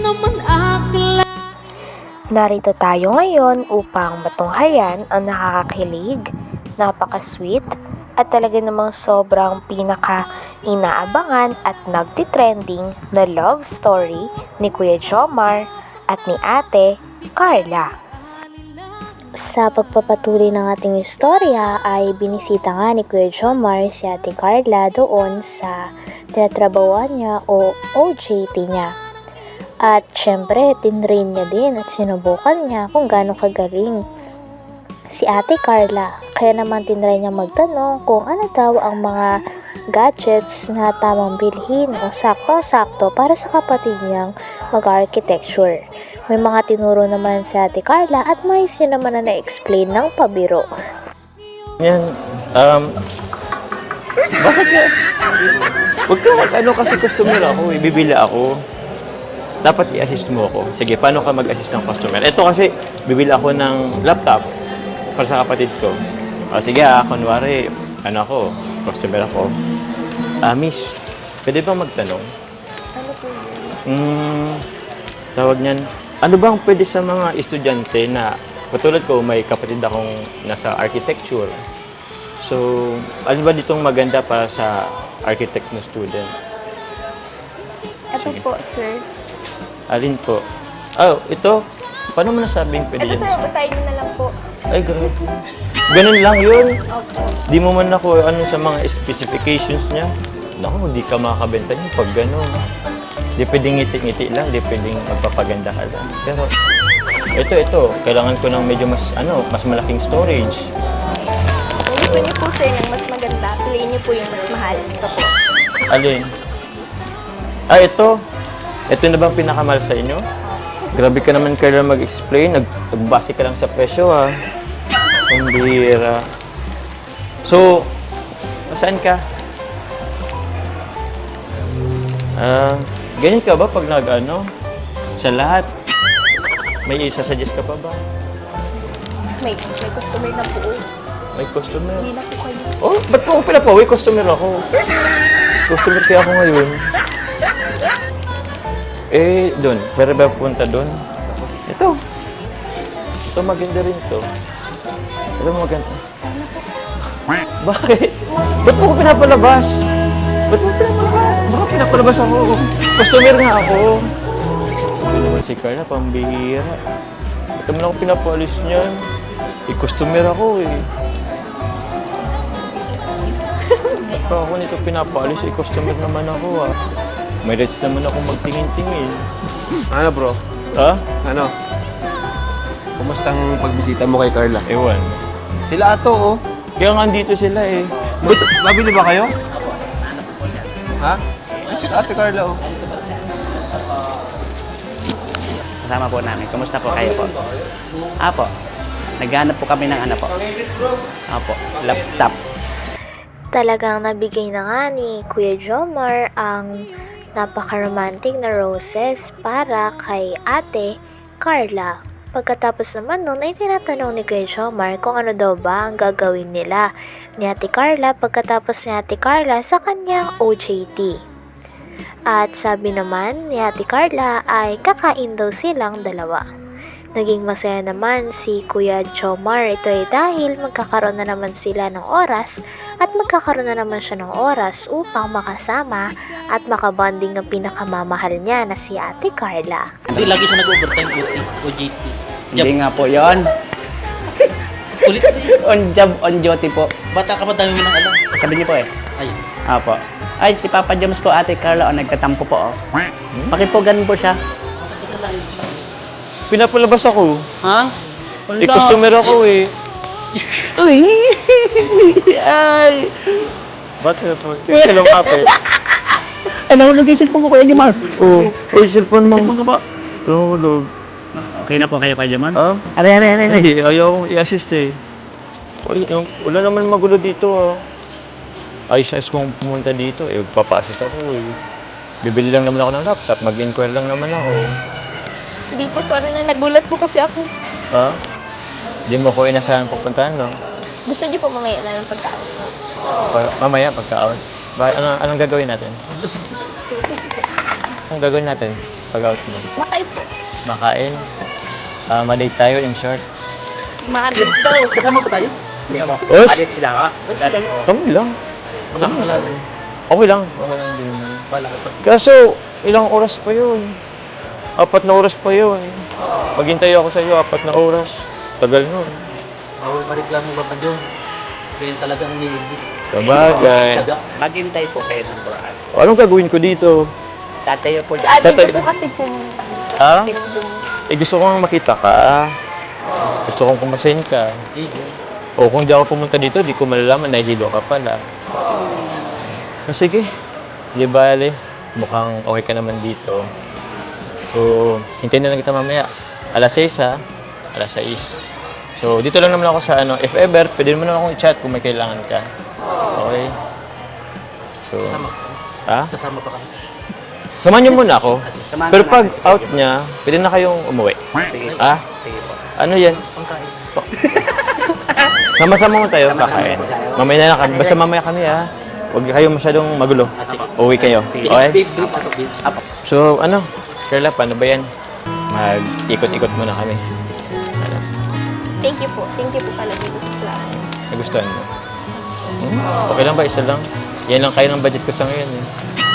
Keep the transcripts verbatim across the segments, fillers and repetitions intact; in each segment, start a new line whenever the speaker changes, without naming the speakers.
naman akla.
Narito tayo ngayon upang matunghayan ang nakakakilig, napaka-sweet, at talaga namang sobrang pinaka-inaabangan at nagtitrending na love story ni Kuya Jomar at ni Ate Carla. Sa pagpapatuloy ng ating istorya ay binisita nga ni Kuya Jomar si Ate Carla doon sa tinatrabawan niya o O J T niya. At syempre, tinrain niya din at sinubukan niya kung gaano kagaling si Ate Carla. Kaya naman tinry niya magtanong kung ano daw ang mga gadgets na tamang bilhin o sakto-sakto para sa kapatid niyang mag-architecture. May mga tinuro naman si Ate Carla at may siya naman na na-explain ng pabiro.
Yan, um, bakit ka? Huwag ka mag-ano kasi customer ako, ibibili ako. Dapat i-assist mo ako. Sige, paano ka mag-assist ng customer? Ito kasi, bibili ako ng laptop para sa kapatid ko. O sige ah, kunwari, ano ako, customer ako. Ah, miss, pwede bang magtanong?
Ano po yun?
Hmm, tawag niyan, ano bang pwede sa mga estudyante na, katulad ko, may kapatid akong nasa architecture. So, ano ba ditong maganda para sa architect na student?
Ito
Sige.
po, sir.
Alin po? Oh, ito? Paano mo nasabing pwede
Ito,
yan?
sir. Basahin nyo na lang po.
Ay, grabe. Ganun lang yun.
Opo.
Di mo man ako ano sa mga specifications niya. Naku, di ka makakabenta niya pag gano'n. Di pwedeng ngiti-ngiti lang, di pwedeng magpapaganda ka lang. Pero, ito, ito. Kailangan ko ng medyo mas, ano, mas malaking storage.
Kung gusto nyo po, sir, ng mas maganda, piliin nyo po yung mas mahal. Ito po.
Alin? Ah, ito. Ito na bang pinakamahal sa inyo? Grabe ka naman kaya mag-explain. Nag nagbase ka lang sa presyo, ha? Ang bihira. So, saan ka? Ah, ganyan ka ba pag nag-ano? Sa lahat? May isa-suggest ka pa ba?
May, may customer na po.
May customer?
Hindi na po kayo.
Oh, ba't po ako pinapawi? Customer ako. Customer kaya ako ngayon. Eh, doon. Pwede ba punta doon? Ito. Ito maganda rin to. Ito maganda. Bakit? Ba't mo ko pinapalabas? Ba't mo pinapalabas? Baka pinapalabas ako. Customer nga ako. Ito naman si Carla, pambihira. Ito mo lang ako pinapalis niyan. Eh, customer ako eh. Ba't pa ako nito pinapalis? Eh, customer naman ako ah. May rights naman ako magtingin-tingin.
Ano bro?
Ha?
Ano? Kumusta ang pagbisita mo kay Carla?
Ewan.
Sila ato oh.
Kaya nga dito sila eh.
Mas, mabili ba kayo? Ha? Ay, si Ate Carla oh.
Kasama po namin. Kumusta po kayo po? Apo. Naghanap po kami ng ano po. Apo. Laptop.
Talagang nabigay na nga ni Kuya Jomar ang napaka-romantic na roses para kay Ate Carla. Pagkatapos naman nun ay tinatanong ni Kuya Jomar kung ano daw ba ang gagawin nila ni Ate Carla pagkatapos ni Ate Carla sa kanyang O J T. At sabi naman ni Ate Carla ay kakain daw silang dalawa. Naging masaya naman si Kuya Jomar. Ito ay dahil magkakaroon na naman sila ng oras at magkakaroon na naman siya ng oras upang makasama at makabonding ang pinakamamahal niya na si Ate Carla.
Hindi, lagi siya nag-overtime O T, O J T.
Hindi nga po yon.
Ulit na yun.
On job, on duty po.
Bata ka pa, dami mo nang alam.
Sabi niyo po eh.
Ay,
Apo. Ay, si Papa James po, Ate Carla, o nagtatampo po, oh. Pakipugan po siya.
Pinapalabas ako.
Ha?
Eh, customer ako eh.
Uy! Ay!
Ba't sila po? Sila kapit.
Ay, nahulog yung cellphone ko, Kuya Jomar.
Oo. Oh. Uy, cellphone mo.
Cellphone ko po.
Tulog.
Okay na po kayo, Kuya Jomar?
Ah?
Aray, aray, aray, aray.
Ay, ayaw akong i-assist eh. Uy, yung, wala naman magulo dito ah. Ayos-ayos kong pumunta dito eh. Magpapa-assist ako eh. Bibili lang naman ako ng laptop. Mag-inquire lang naman ako.
Hindi po, sorry na. Nagulat po kasi ako.
Ha? Hindi mo ko inasahan pupuntahan, no?
Gusto niyo po mamaya na ng pagkaon.
Pa- mamaya, pagka-out. Ba- ano, anong gagawin natin? Anong gagawin natin? pag-out mo?
Makain po.
Makain. Ah, ma-date tayo in short.
Makain.
Kasama ba tayo?
Hindi ako.
Os!
Alit sila ka.
Kami lang.
Nakakala.
Okay lang. Okay lang din.
Wala ka pa.
Kaso, ilang oras pa yun? Apat na oras pa yun. Maghintay ako sa iyo, apat na oras. Tagal nun.
Bawal mareklamo ba pa doon? Kaya talagang nilibig.
Sabagay.
Maghintay po kayo ng Quran.
O, anong gagawin ko dito?
Tatayo po dyan.
Ah, dito
Tatay-
po kasi po.
Ha? Eh, gusto kong makita ka. Gusto kong kumasin ka. O, kung di ako pumunta dito, di ko malalaman na hilo ka pala. O, sige. Di bale. Mukhang okay ka naman dito. So, hintayin na lang kita mamaya. Alas sais, ha? Alas sais. So, dito lang naman ako sa ano. If ever, pwede mo naman akong i-chat kung may kailangan ka. Okay? So, ha?
Sasama pa kami.
Samahan niyo muna ako.
Samahan
Pero
ka
pag
natin.
out niya, pwede na kayong umuwi.
Sige.
Ah?
Sige po.
Ano yan?
Pangkain.
Sama-sama mo tayo
Sama-sama
kakain.
po tayo.
Mamaya na lang kami. Basta mamaya kami, ha? Huwag kayo masyadong magulo.
Ah, sige.
Uwi kayo.
Sige.
Okay?
Babe, babe, ako, babe.
Apo.
So, ano? Carla, paano ba yan? Mag-ikot-ikot muna kami.
Thank you po. Thank you po pala dito sa plans.
Nagustuhan mo? Hmm? Okay lang ba? Isa lang? Yan lang kayo ng budget ko sa ngayon, eh.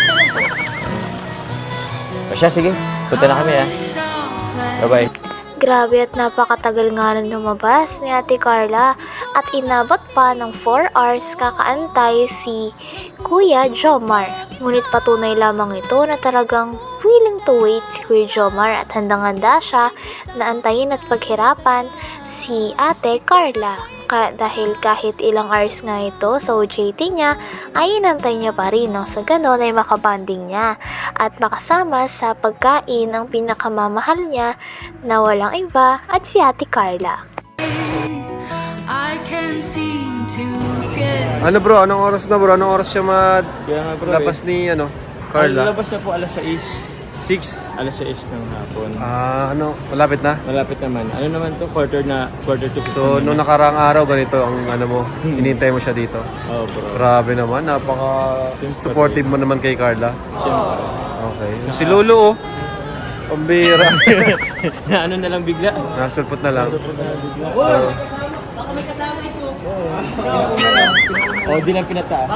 O siya, sige. Punta na kami, ha? Bye-bye.
Grabe at napakatagal nga rin lumabas ni Ate Carla at inabot pa ng four hours kakaantay si Kuya Jomar. Ngunit patunay lamang ito na talagang willing to wait si Kuya Jomar at handang-handa siya na antayin at paghirapan si Ate Carla. Ka dahil kahit ilang hours nga ito sa O J T niya, ay inantay niya pa rin nang sa ganon ay makabanding niya at makasama sa pagkain ang pinakamamahal niya na walang iba at si Ate Carla.
I can seem to get
Ano bro, anong oras na bro? Anong oras siya
Kaya nga, bro,
madlapas ni ano, Carla?
Lalabas na po alas sais.
six.
Alas sais ng hapon.
Ah, ano, malapit na?
Malapit naman. Ano naman to? Quarter na, quarter to six.
So, nung nakaraang araw, ganito ang ano mo, hinintay mo siya dito.
Oh, bro.
Grabe naman, napaka-supportive mo naman kay Carla.
Siyempre.
Okay. Si Lolo oh, pambira.
na ano na lang bigla.
Nasulpot na lang.
So, oh, di lang pinataas.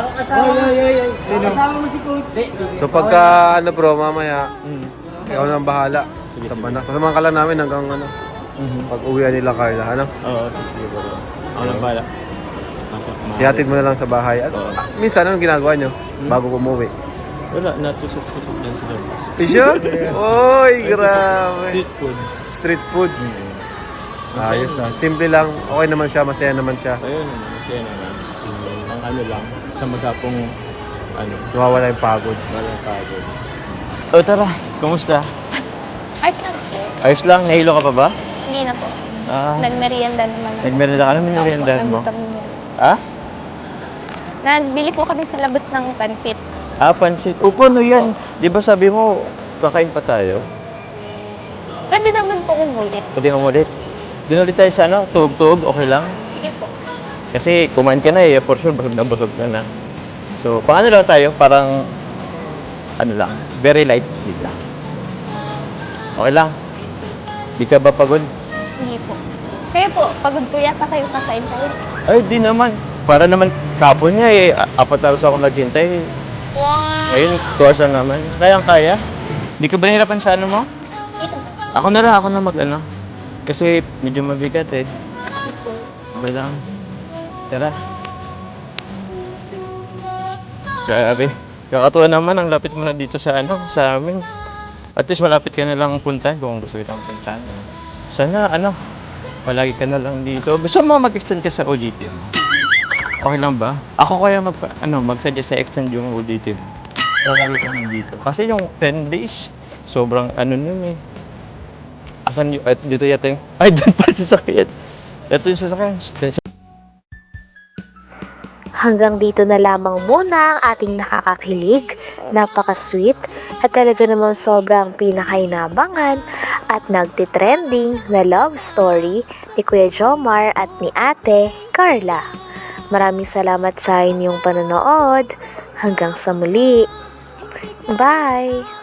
So pagka ano bro, mamaya,
Mm.
ikaw na ang bahala. Sama na. Sasamahan ka lang namin hanggang ano, pag uwian nila Carla, ano?
Oo, sige bro. Ako lang bala. Masok ma.
Ihatid mo na lang sa bahay. At, ah, minsan, anong ginagawa nyo bago umuwi?
Wala, natusok-tusok lang sa labas.
Isyo? Oy, grabe.
Street food.
Street foods. Ayos ah. Simple lang. Okay naman siya. Masaya naman siya.
Ayun, masaya naman. Ang ano lang, sa magapong, ano,
Nawawala yung pagod.
walang pagod. O tara, kumusta?
Ayos na po.
Ayos lang, nahilo ka pa ba?
Hindi na po.
Ah,
Nagmerienda naman ako.
nagmerenda ka naman yung meriendahan mo?
Nagutom niya.
Ah?
Nagbili po kami sa labas ng pansit.
Ah, pansit. Upo, no yan. Di ba sabi mo, kakain pa tayo?
Pwede naman po umulit.
Pwede mo ulit. Doon ulit tayo sa ano, tugtog, okay lang?
Sige po.
Kasi kumain ka na eh, for sure, busog na busog ka na. So, pang ano lang tayo, parang, ano lang, very light din lang. Okay lang. Di ka ba pagod?
Hindi po. Kayo po, pagod po yata kayo kakain tayo.
Ay, di naman. Para naman kapon niya eh, a- apat hours ako naghintay.
Wow!
Ngayon, two hours na naman. Kayang kaya. Di ka ba nahirapan sa ano mo? Ako na lang, ako na mag ano. Kasi medyo mabigat eh. Okay lang. Tara. Grabe. Kakatuwa naman, ang lapit mo na dito sa ano, sa amin. At least malapit ka na lang puntahan kung gusto kitang puntahan. Sana ano, palagi ka na lang dito. Gusto mo mag-extend ka sa O J T mo? Okay lang ba? Ako kaya mag, ano, mag-suggest sa extend yung O J T mo. Palagi ka na dito. Kasi yung ten days, sobrang ano nun eh. Asan yung, at dito yata yung, ay doon pa sa sasakyan. Ito yung sasakyan.
Hanggang dito na lamang muna ang ating nakakakilig, napaka-sweet at talaga namang sobrang pinakainabangan at nagtitrending na love story ni Kuya Jomar at ni Ate Carla. Maraming salamat sa inyong panonood. Hanggang sa muli. Bye!